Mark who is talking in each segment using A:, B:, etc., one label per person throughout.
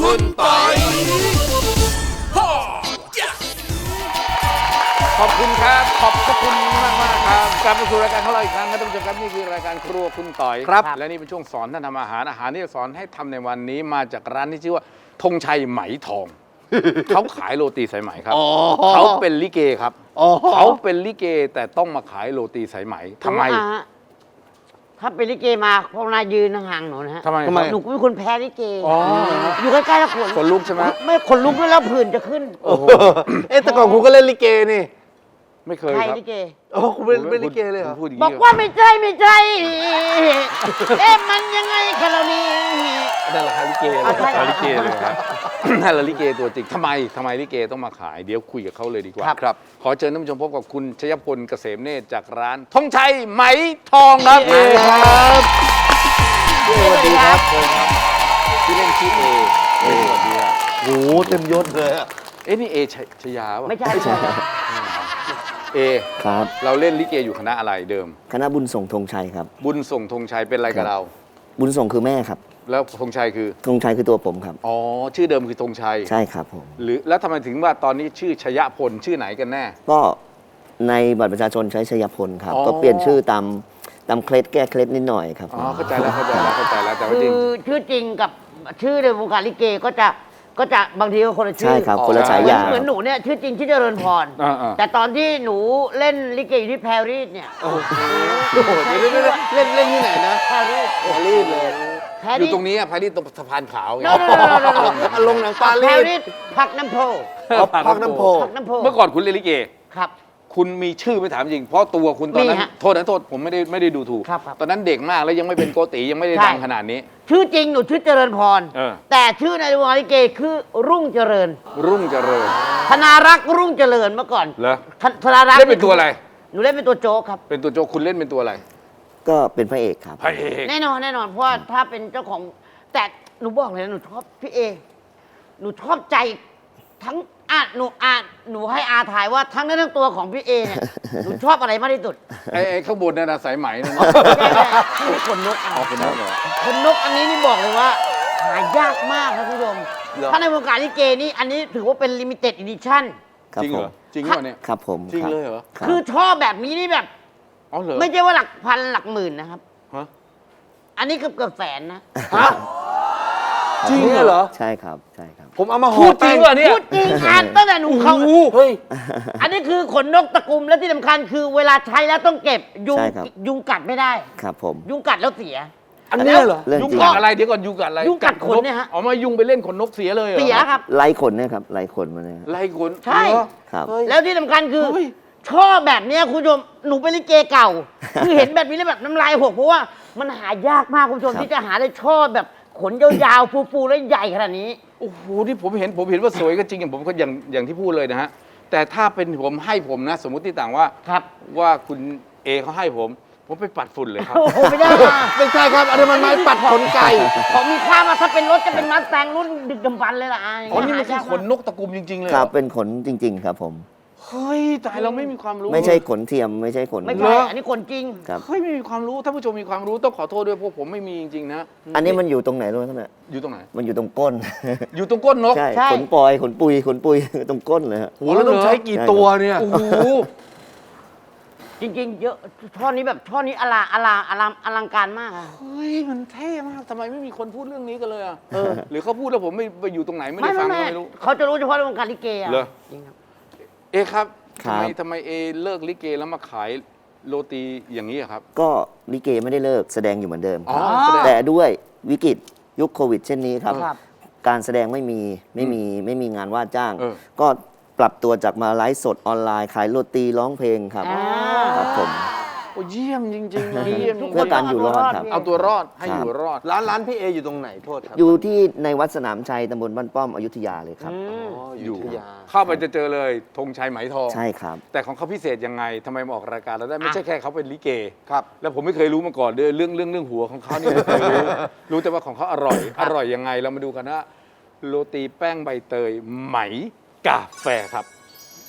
A: คุณปอย
B: ขอบคุณครับขอบพระคุณมากครับกลับมาสู่รายการของเราอีกครั้งครับท่านผู้ชมครับนี่คือรายการครัวคุณต่อยครับและนี่เป็นช่วงสอนท่านทำอาหารที่จะสอนให้ทำในวันนี้มาจากร้านที่ชื่อว่าธงชัยไหมทอง เขาขายโรตีสายไหมครับเขาเป็นลิเกครับเขาเป็นลิเกแต่ต้องมาขายโรตีสายไหมทำไม
C: ถ้าเป็นลิเกมาพวกนายยืนห่างๆหนูนะฮะ
B: ทำไม
C: หนูเป็นคนแพ้ลิเกอยู่ใกล้ๆแล้ว
B: ขนลุกใช่ไหม
C: ไม่ขนลุกแล้วผื่นจะขึ้น
D: แต่ก่อนคุณก็เล่นลิเกนี่
B: ไม่เคย
C: ใคร
B: ครับ
C: ลิเก
D: โอ้คุณเป็นลิเกเลยเหรอ
C: บอกว่าไม่ใช่มันยังไงกันเรานี่
D: นั่นแหละครับลิเกเลย
B: ลิเกเลยครับ นั่นแหละลิเกตัวจริงทำไมลิเกต้องมาขายเดี๋ยวคุยกับเขาเลยดีกว่าครับขอเชิญท่านผู้ชมพบกับคุณชยพลเกษมเนตรจากร้านธงชัยไหมทองครับ
D: ครับ
C: สวัสดีครับ
B: ชื่อเล่นชื่อเอสวัสดีครับ
D: โอ้เต็มยศเลยอะ
B: นี่เอชยาป่ะ
C: ไม่ใช่
B: เอ
E: ครับ
B: เราเล่นลิเกอยู่คณะอะไรเดิม
E: คณะบุญส่งธงชัยครับ
B: บุญส่งธงชัยเป็นอะไรกับเรา
E: บุญส่งคือแม่ครับ
B: แล้วธงชัยคือ
E: ธงชัยคือตัวผมครับ
B: อ๋อชื่อเดิมคือธงชัย
E: ใช่ครับผม
B: หรือแล้วทำไมถึงว่าตอนนี้ชื่อชยพลชื่อไหนกันแน่
E: ก็ในบัตรประชาชนใช้ชยพลครับก็เปลี่ยนชื่อตามเคล็ดแก้เคล็ดนิดหน่อยครับ
B: อ๋อเข้าใจแล้วแต่ว่าจริง
C: ชื่อจริงกับชื่อในวงการลิเกก็จะบางทีก็คนละชื่อ
E: ใช่ครับคนละฉายา
C: เหมือนหนูเนี่ยชื่อจริงชื่อเจริญพรแต่ตอนที่หนูเล่นลิเกอยู่ที่แพรรีสเนี่ย
D: โอ้โหเดี๋ยวเล่นที่ไหนนะ
C: แพรรีส
D: เลย
B: อยู่ตรงนี้พารีตรงสะพานขาวไง
D: ลงหนังปารี
C: แพร
D: ส
C: รีสพักน้ำโพ
D: พักน้ำโพ
B: เมื่อก่อนคุณเล่นลิเก
C: ครับ
B: คุณมีชื่อไม่ถามจริงเพราะตัวคุณตอนนั้นโทษผมไม่ได้ดูถูกตอนนั้นเด็กมากแล้วยังไม่เป็นโกติยังไม่ได้ดังขนาดนี้
C: ชื่อจริงหนูชื่อเจริญพรแต่ชื่อในวงการลิเกคือรุ่งเจริญธนารักษ์รุ่งเจริญเมื่อก่อน
B: เหรอ
C: ธนารักษ์
B: เล่นเป็นตัวอะไร
C: หนูเล่นเป็นตัวโจ๊กครับ
B: เป็นตัวโจ๊กคุณเล่นเป็นตัวอะไร
E: ก็เป็นพระเอกครับ
B: พระเอก
C: แน่นอนเพราะว่าถ้าเป็นเจ้าของแต่หนูบอกเลยนะหนูชอบพี่เอหนูชอบใจทั้งหนูให้อาถ่ายว่าทั้งนั้นทั้งตัวของพี่เอเนี่ยหนูชอบอะไรมากที่สุด
B: ไอ้ข้างบนนั่นนะสายไหมนั่น
C: นี่ขนนก
B: ขนนกเหรอ
C: ขนนกอันนี้นี่บอกเลยว่าหายากมากครับคุณผู้ชมถ้าในวงการลิเกนี่อันนี้ถือว่าเป็นลิมิเต็ดอีดิชั่น
B: จริงเหรอจริงเหรอเนี่ย
E: ครับผม
B: จริงเลยเหรอ
C: คือชอบแบบนี้นี่แบบไม่ใช่ว่าหลักพันหลักหมื่นนะครับอันนี้เกือบแสนนะ
D: จริงเหรอ
E: ใช่ครับ
D: ผมเอามาห่อ
B: พูดจริงเหรอเนี่ย
C: พูดจริงอ่านตั้งแต่หนูเขาเฮ้ยอันนี้คือขนนกตะกุมและที่สำคัญคือเวลาใช้แล้วต้องเก็บยุงกัดไม่ได้
E: ครับผม
C: ยุงกัดแล้วเสีย
D: อันนี้เหรอ
B: ยุงกัดอะไรเดี๋ยวก่อนยุงกัดอะไร
C: ยุงกัดขนเนี่ยฮะ
B: อ๋อมายุงไปเล่นขนนกเสียเลยเหรอ
C: เสียครับ
E: ไล่ขนเนี่ยครับไล่ขนมาเนี่ย
B: ไล่ขน
C: ใช่
E: ครับ
C: แล้วที่สำคัญคือชอบแบบนี้คุณผู้ชมหนูเป็นลิเกเก่าคือเห็นแบบนี้แล้วแบบน้ำลายหกเพราะว่ามันหายากมากคุณผู้ชมที่จะหาได้ชอบแบบขนยาวๆฟูๆและใหญ่ขนาดนี้
B: โอ้โหที่ผมเห็นว่าสวยก็จริงผมก็อย่างที่พูดเลยนะฮะแต่ถ้าเป็นผมนะสมมุติที่ต่างว่าว่าคุณเอเขาให้ผมไปปัดฝุ่นเลยครับ
C: โอ้โหไม่ได้
D: ไม่ใช่ครับอันนี้มันไม้ปัดขนไก่
C: ของมีค่ามาถ้าเป็นรถจะเป็นมัสแตงรุ่นดึกดำบรรพ์เลยล่ะ
B: อ๋อนี่มันคือขนนกตะกุมจริงๆเลย
E: ครับเป็นขนจริงๆครับผม
B: เฮ้ยแต่เราไม่มีความรู้
E: ไม่ใช่ขนเทียมไม่ใช่ขน
C: ไม่ใช่อันนี้ขนจริง
B: เฮ้ยไม่มีความรู้ท่านผู้ชมมีความรู้ต้องขอโทษด้วยพวกผมไม่มีจริงๆนะ
E: อันนี้มันอยู่ตรงไหนรู้ไหมครับเนี่ย
B: อยู่ตรงไหน
E: มันอยู่ตรงก้น
B: อยู่ตรงก้นนก
E: ใช่ขนปอยขนปุยตรงก้นเลยฮะ
D: โหแล้วต้องใช้กี่ตัวเนี่ย
B: โอ้โห
C: จริงๆเยอะช่อนี้แบบช่อนี้อลังการมาก
B: เฮ้ยมันเท่มากทำไมไม่มีคนพูดเรื่องนี้กันเลยอ่ะหรือเขาพูดแล้วผมไม่ไปอยู่ตรงไหนไม่ได้ฟังไม่รู้
C: เขาจะรู้เฉพาะในวงการลิเกอ่ะ
B: จริงครับเอครับทำไมเอเลิกลิเกแล้วมาขายโรตีอย่างนี้ครับ
E: ก็ลิเกไม่ได้เลิกแสดงอยู่เหมือนเดิมแต่ด้วยวิกฤตยุคโควิดเช่นนี้ครับการแสดงไม่มีงานว่าจ้างก็ปรับตัวจากมาไลฟ์สดออนไลน์ขายโรตีร้องเพลงครับครับผม
B: โอ้เยี่ยมจริงๆเลย
E: เพื่อการอยู่รอดครับ
B: เอาตัวรอดให้อยู่รอด
D: ร้านพี่เออยู่ตรงไหนโทษครับ
E: อยู่ที่ในวัดสนามชัยตำบลบ้านป้อมอยุธยาเลยครับ
B: อยู่เข้าไปจะเจอเลยธงชัยไหมทอง
E: ใช่ครับ
B: แต่ของเขาพิเศษยังไงทำไมมาออกรายการเราได้ไม่ใช่แค่เขาเป็นลิเกครับแล้วผมไม่เคยรู้มาก่อนด้วยเรื่องหัวของเขานี่ไม่เคยรู้แต่ว่าของเขาอร่อยยังไงเรามาดูกันว่าโรตีแป้งใบเตยไหมกาแฟครับ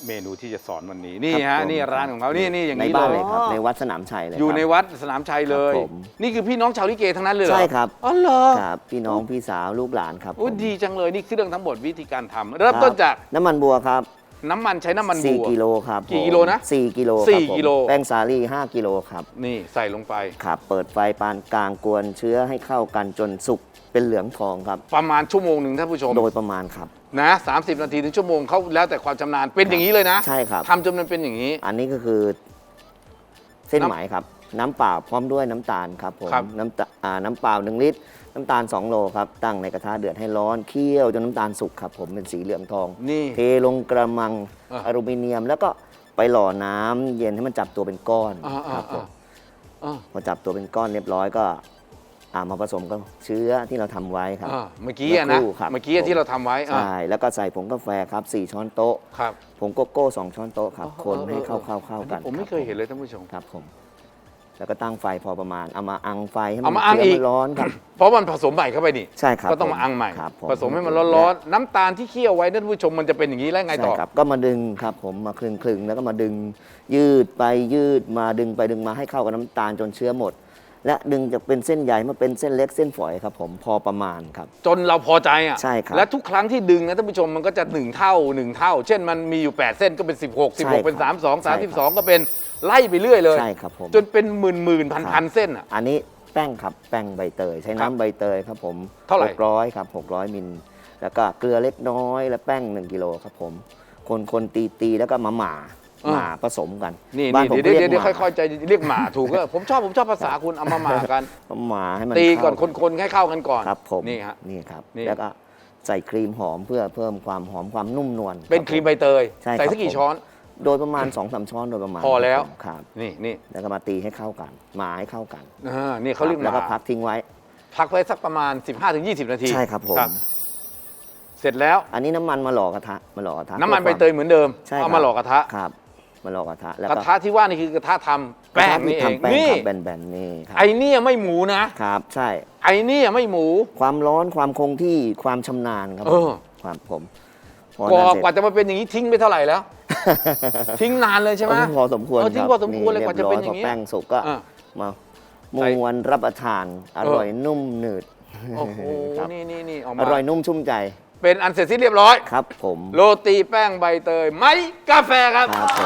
B: เมนูที่จะสอนวันนี้นี่
E: ครั
B: ฮะ
E: บผม
B: นี่ร้านของเขานี่อย่าง
E: ใน
B: นี้
E: บ้าน
B: เล
E: เลย ยครับในวัดสนามชัยเลย
B: อยู่
E: ครับ
B: ในวัดสนามชัยเลย
E: ครับผม
B: นี่คือพี่น้องชาวลิเกทั้งนั้นเลยเหรอ
E: ใช่ครับ
B: อ๋อเหรอ
E: ครับพี่น้องพี่สาวลูกหลานครับ
B: โอ้
E: ผม
B: ดีจังเลยนี่คือเรื่องทั้งหมดวิธีการทำเริ่มต้นจาก
E: น้ำมันบัวครับ
B: น้ำมันใช้น้ำมันบัว
E: 4 กิโลครับ
B: กี่กิโลนะ
E: 4 กิโล
B: สี่
E: ครับผม
B: กิโล
E: แป้งสาลี่5 กิโลครับ
B: นี่ใส่ลงไป
E: ครับเปิดไฟปานกลางกวนเชื้อให้เข้ากันจนสุกเป็นเหลืองทองครับ
B: ประมาณชั่วโมงหนึ่งท่านผู้ชม
E: โดยประมาณครับ
B: นะ30 นาทีถึงชั่วโมงเขาแล้วแต่ความชำนาญเป็นอย่างนี้เลยนะ
E: ใช่ครับ
B: ทำจนมันเป็นอย่างนี้
E: อันนี้ก็คือเส้นไหมครับ น้ำเปล่าพร้อมด้วยน้ำตาลครับผม
B: ครับ
E: น้ำเปล่า1 ลิตร น้ำตาล 2 โลครับ ตั้งในกระทะเดือดให้ร้อนเคี่ยวจนน้ำตาลสุกครับผมเป็นสีเหลืองทอง
B: นี่
E: เทลงกระมัง
B: อ่ะ
E: อลูมิเนียม แล้วก็ไปหล่อน้ำเย็นให้มันจับตัวเป็นก้อน
B: อ่า
E: ครับผม พอจับตัวเป็นก้อนเรียบร้อยก็มาผสมกับเชื้อที่เราทำไว้ครับ
B: เมื่อกี้อะนะ
E: สักครู่ครับ
B: เมื่อกี้ที่เราทำไว้
E: ใช่แล้วก็ใส่ผงกาแฟครับ4 ช้อนโต๊ะ
B: ครับ
E: ผงโกโก้ 2 ช้อนโต๊ะครับคนให้เข้ากัน
B: ผมไม่เคยเห็นเลยท่านผู้ชม
E: ครับผมแล้วก็ตั้งไฟพอประมาณเอามาอังไฟให้มั
B: เอามาอัง
E: เชื้
B: อีก
E: มันร้อนครับ
B: เพราะมันผสมใหม่เข้าไปนี่
E: ใช่ครับ
B: ก็ต้องมาอังใหม่
E: ครับ
B: ผสมให้มันร้อนๆน้ำตาลที่เคี่ยวไว้ท่านผู้ชมมันจะเป็นอย่างนี้แล้วไง
E: ใช่
B: ต่อ
E: ครับก็มาดึงครับผมมาคลึงๆแล้วก็มาดึงยืดไปยืดมาดึงไปดึงมาให้เข้ากับน้ำตาลจนเชื้อหมด และดึงจากเป็นเส้นใหญ่มาเป็นเส้นเล็กเส้นฝอยครับผมพอประมาณครับ
B: จนเราพอใจอ่ะ
E: ใช่ครับ
B: และทุกครั้งที่ดึงนะท่านผู้ชมมันก็จะ1 เท่า 1 เท่า เช่นมันมีอยู่ 8 เส้นก็เป็น 16
E: ใช่ครับ
B: 16 เป็น 32
E: ใช่ครับ
B: 32 ก็เป็นไล่ไปเรื่อยเลย
E: ใช่ครับผม
B: จนเป็นหมื่นพันเส้นอ่ะ
E: อันนี้แป้งครับแป้งใบเตย ใช้
B: ครับ
E: น้ำใบเตยครับผม
B: เท่าไหร่
E: 600ครับ600 มิลแล้วก็เกลือเล็กน้อยและแป้ง1 กิโลครับผมคนตีแล้วก็มาหม่าผสมกัน
B: นี่
E: บ้านผม
B: เดี๋ยว
E: เรียก
B: เดี๋ยว
E: หม่า
B: ค่อยๆใจเรียกหมาถูกก็ผมชอบภาษาคุณเอามาหมากัน
E: หม่าให้มัน
B: ตีก่อน
E: เข้า
B: คนๆให้เข้ากันก่อน
E: ครับผม
B: นี่ฮะ
E: นี่ครับ
B: นี่
E: แล้วก็ใส่ครีมหอมเพื่อเพิ่มความหอมความนุ่มนวล
B: เป็นครีมใบเตย
E: ใช่ครับ
B: ใส่สักกี่
E: ผม
B: ช้อน
E: โดยประมาณ 2-3 ช้อนโดยประมาณ
B: พอแล้ว
E: ครับ
B: นี่
E: แล้วก็มาตีให้เข้ากันหม่าให้เข้ากัน
B: นี่เขาเรียกห
E: แล้วก็
B: มา
E: พักทิ้งไว้
B: พักไว้สักประมาณ 15-20 นาที
E: ใช่ครับผม
B: เสร็จแล้ว
E: อันนี้น้ำมันมาหล่อกระทะ
B: น้ำมันใบเตยเหมือนเดิม
E: ใช่ค
B: เอา
E: รับ
B: มาหล่อกระทะ
E: ครับมาหล่อกระทะแล้ว
B: กระ
E: ก็
B: ทะที่ว่านี่คือกระทะทำแป้งนี่เอง
E: ทำแป้ง
B: นี่
E: ครับแบนๆนี่ครั
B: ไอเนี่ยไม่หมูนะ
E: ครับใช่
B: ไอเนี่ยไม่หมู
E: ความร้อนความคงที่ความชำนาญครับ
B: เออ
E: ความผมพอก นั้นเสร็จ
B: ว่าจะมาเป็นอย่างนี้ทิ้งไปเท่าไหร่แล้ว ทิ้งนานเลยใช่ไหม
E: พอสมควร
B: ทิ้ง
E: ครับ
B: พอสมควรเลยกว่าจะเป็นอย่าง
E: นี้
B: นี้
E: พอแป้งสุกก็
B: อ่ะ
E: มาม้วนรับประทานอร่อยนุ่มหนืด
B: โอ้โห
E: ครับ
B: นี่ออก
E: อ
B: มา
E: ร่อยนุ่มชุ่มใจ
B: เป็นอันเสร็จสิ้นเรียบร้อย
E: ครับผม
B: โรตีแป้งใบเตยไม้กาแฟครับ
E: ครับผม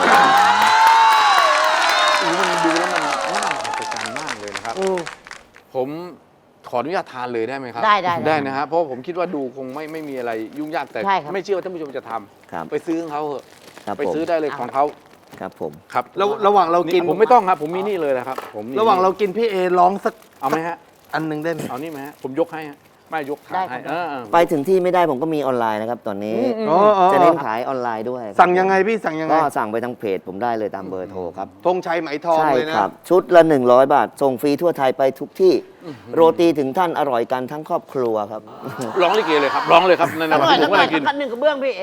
B: มันดูแล้วมันน่ามหัศจรรย์มากเลยนะครับ ผมขออนุญาตทานเลยได้ไหมครับ
C: ได้
B: นะฮะเพราะผมคิดว่าดูคงไม่มีอะไรยุ่งยากแต่
C: ใช่ครับ
B: ไม่เชื่อว่าท่านผู้ชมจะท
E: ครับ
B: ำไปซื้อของเขาเถอะ
E: ครับ
B: ไป
E: ผม
B: ซื้อได้เลยของเขา
E: ครับผม
B: ครับ
D: ระหว่างเรากิน
B: ผมไม่ต้องครับ ผมมีนี่เลยนะครับผมมี
D: ระหว่างเรากินพี่เอร้องสัก
B: เอาไหมฮะ
D: อันหนึงได้ไหม
B: เอานี่ไหมฮะผมยกให้ฮะไม่ยกถาด
C: ได้
B: ให้
C: ครับ
E: ไปถึงที่ไม่ได้ผมก็มีออนไลน์นะครับ ตอนนี้
D: อ๋อ
E: จะเน้นขายออนไลน์ด้วยครับ
D: สั่งยังไงพี่สั่งยังไง
E: ก็สั่งไปทางเพจผมได้เลยตามเบอร์โทรครับ
D: ธงชัยไหมทอง
E: ใช่
D: เลยนะ
E: ครับ ชุดละ 100 บาท ส่งฟรีทั่วไทยไปทุกที่ โรตีถึงท่านอร่อยกันทั้งครอบครัวครับ
B: ร้องลิเกเลยครับร้องเลยครับนั่น
C: สั
B: นะ
C: กหน่อย
B: ผ
C: สั
B: ม
C: กห
B: ว่า
C: น่อ
B: อะ
C: ย
B: ไรกิน
C: สักหนึ่งกระเบื้องพี่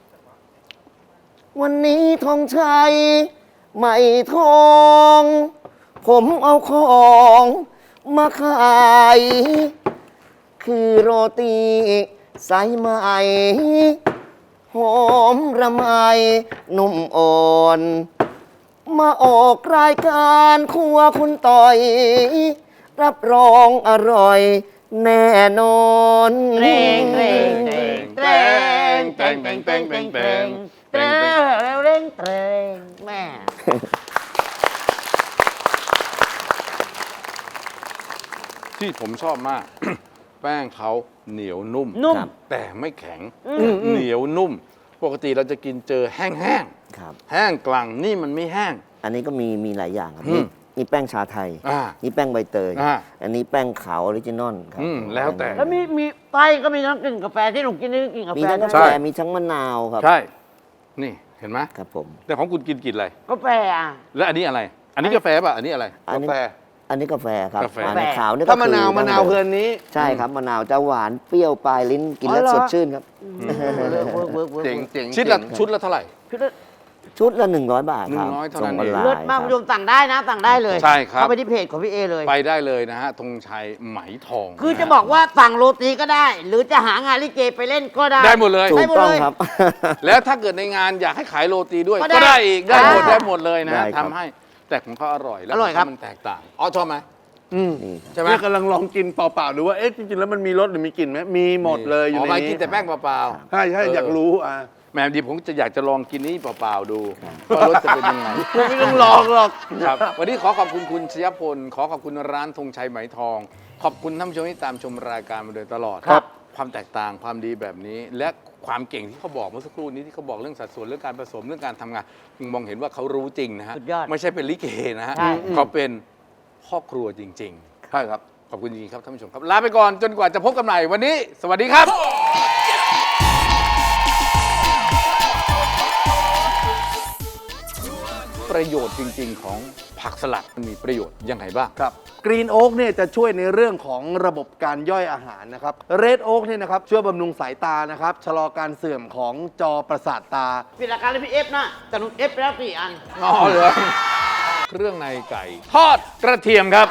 E: วันนี้ทองชัยไม่ทอง ผมเอาของมาขาย คือโรตีสายไหมหอมระไมนุ่มอ่อน มาออกรายการครัวคุณต่อย รับรองอร่อยแน่นอน
C: เตรงเตรงเตรงเตรงเตรงเตรงเตรงเตรงเตรงเตรงเตรงแม่
B: ที่ผมชอบมาก แป้งเขาเหนียวนุ่ม
C: นุ่ม
B: แต่ไม่แข็งเหนียวนุ่ม ปกติเราจะกินเจอแห้ง
E: ครับ
B: ๆแห้งกลั่งนี่มันไม่แห้ง
E: อันนี้ก็มีหลายอย่างครับ
B: อืม
E: นี่แป้งชาไทย
B: อ่า
E: นี่แป้งใบเตย
B: อ่า
E: อันนี้แป้งขาวออริจินอลครับ
B: แล้วแต่
C: แล้วมีไส้ก็มีทั้งกลิ่นกาแฟที่หนูกินนี่กลิ่นกา
E: มี
C: แฟ
E: ทั้งกา
C: ด้วย
B: ใช่
E: แฟมีทั้งมะนาวครับ
B: ใช่ นี่เห็นไหม
E: ครับผม
B: แต่ของคุณกินอะไร
C: กาแฟอ่ะ
B: แล้วอันนี้อะไร อันนี้กาแฟป่ะ อันนี้อะไร
E: อันนี้
D: กาแฟ
E: อันนี้กาแฟครับ
B: กาแฟ
E: อันนี้ขาวนี่ก็
D: ถ้ามะนาว
E: คือ
D: มะนาวเพลินนี้
E: ใช่ครับมะนาวจะหวานเปรี้ยวปลายลิ้นกินแล้ว
C: อ๋อเหรอ
E: สดชื่นครับ
C: เวิร์ก
D: เจ๋งเจ๋ง
B: ชุดละเท่าไหร่
C: คือ
E: ชุดละ 100 บาทครับ
B: 100เท่า
E: ส่
B: นั้
E: ง
B: น
E: ออน
B: เอง
E: ไล
C: เลิศ
E: น์
C: มาก
E: ค
C: คุณ
E: รับ
C: ผู้ชมสั่งได้นะสั่งได้เลย
B: ใช่ครับ
C: เข้าไปที่เพจของพี่เอเลย
B: ไปได้เลยนะฮะธงชัยไหมทอง
C: คือจะบอกว่าสั่งโรตีก็ได้ หรือจะหางานลิเกไปเล่นก็ได้
B: ได้หมดเลย
E: ถู
C: ได้
E: ก
C: หมด
E: ต้อง
C: เลย
E: ครับ
B: แล้วถ้าเกิดในงานอยากให้ขายโรตีด้วย
C: ก็
B: ก็
C: ได้
B: ได้อีกได้หมด
C: อ่า
B: ได้หมดเลยนะ
E: ได้ครับ
B: ทำให้แต่ของเขาอร่อยแล้ว
C: อร่อยครับ
B: มันแตกต่างอ๋อชอบไหม
E: นี่
B: ใช่ไหม
D: นี่กำลังลองกินเปล่าๆดูว่าเอ๊ะจริงๆแล้วมันมีรสหรือมีกลิ่นไหมมีหมดเลยอยู่
B: อ๋อ
D: ใน
B: ไม่
D: นี้
B: กินแต่แป้งเปล่า
D: ใช่ใช่อยากรู้
B: แหมดีผมจะอยากจะลองกินนี้เปล่าๆดูว่ารสจะเป็นยังไง
D: ไม่ต้องลองหรอก
B: ครับวันนี้ขอขอบคุณคุณชยพลขอขอบคุณร้านธงชัยไหมทอง ขอบคุณท่านผู้ชมที่ตามชมรายการมาโดยตลอด
C: ครับ
B: ความแตกต่างความดีแบบนี้ และความเก่งที่เขาบอกเมื่อสักครู่นี้ที่เขาบอกเรื่องสัดส่วนเรื่องการผสมเรื่องการทำงานคุณมองเห็นว่าเขารู้จริงนะฮะ
C: สุดยอด
B: ไม่ใช่เป็นลิเกนะฮะ
C: ใช่
B: เขาเป็นพ่อครัวจริงๆ
D: ใช่ครับ
B: ขอบคุณจริงๆครับท่านผู้ชมครับลาไปก่อนจนกว่าจะพบกันใหม่วันนี้ สวัสดีครับ ประโยชน์จริง ๆ ของผักสลัดมันมีประโยชน์ยังไงบ้าง
D: ครับกรีนโอ๊กเนี่ยจะช่วยในเรื่องของระบบการย่อยอาหารนะครับเรดโอ๊กเนี่ยนะครับช่วยบำรุงสายตานะครับชะลอการเสื่อมของจอประสาทตา
C: ปิดรายการเลยพี่เอฟนะแต่หนูเอฟไปแล้ว4 อัน
B: อ๋อเหรอเครื่องในไก่ ทอดกระเทียมครับ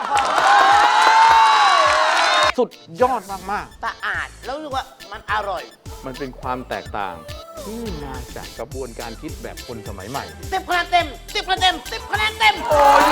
B: สุดยอดมาก
C: สะอาดแล้วรู้สึกว่ามันอร่อย
B: ๆ มันเป็นความแตกต่างที่มาจากกระบวนการคิดแบบคนสมัยใหม่
C: 10 คะแนนเต็ม 10 คะแนนเต็ม 10 คะแนนเต็ม
B: โอ้ย